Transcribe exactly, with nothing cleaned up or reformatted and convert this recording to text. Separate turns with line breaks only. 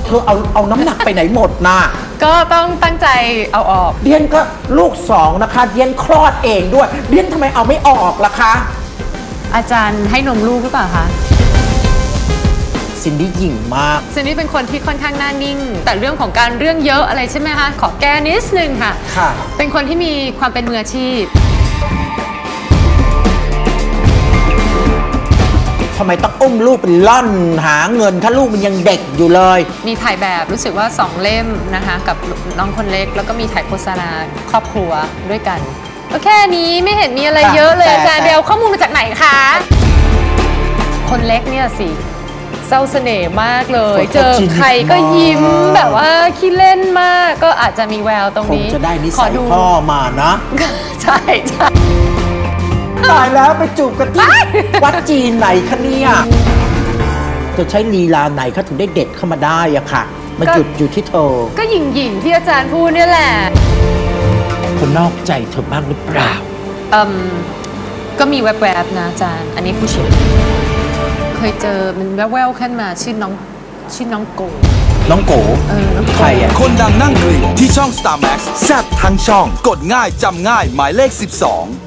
เธอเอาเอาน้ำหนักไปไหนหมดนะ
ก็ต้องตั้งใจเอาออก
เดียนก็ลูกสองนะคะเดียนคลอดเองด้วยเดียนทำไมเอาไม่ออกล่ะคะ
อาจารย์ให้นมลูกหรือเปล่าคะ
ซินดี้หยิ่งมาก
ซินดี้เป็นคนที่ค่อนข้างหน้านิ่งแต่เรื่องของการเรื่องเยอะอะไรใช่ไหมคะขอแก้นิดนึงค่ะ
ค่ะ
เป็นคนที่มีความเป็นมืออาชีพ
ทำไมต้องอุ้มลูกเป็นล่อนหาเงินถ้าลูกมันยังเด็กอยู่เลย
มีถ่ายแบบรู้สึกว่าสองเล่มนะคะกับน้องคนเล็กแล้วก็มีถ่ายโฆษณาครอบครัวด้วยกันก็แค่นี้ไม่เห็นมีอะไรเยอะเลยอาจารย์เดียวข้อมูลมาจากไหนคะคนเล็กเนี่ยสิเศร้าเสน่ห์มากเลยเจอใครก็ยิ้มแบบว่าขี้เล่นมากก็อาจจะมีแววตรงนี้
คงจะได้นิสัยพ่อมานะ
ใช่ใช่
ตายแล้วไปจูบกันที่วัดจีนไหนคะเนี่ยจะใช้ลีลาไหนเขาถึงได้เด็ดเข้ามาได้อะค่ะมันหยุดอยู่ที่เธอ
ก็หยิ่งหยิ่งที่อาจารย์พูดเนี่ยแหละ
คนนอกใจเธอบ้างหรือเปล่า
อืมก็มีแวบๆนะอาจารย์อันนี้ผู้เชี่ยวเคยเจอมันแววๆขึ้นมาชื่อน้องชื่อน้องโก
น้องโก
เออ
ใครอ่ะ
คนดังนั่งกลิ่นที่ช่อง สตาร์ แม็กซ์ แซ่บทั้งช่องกดง่ายจำง่ายหมายเลขสิบสอง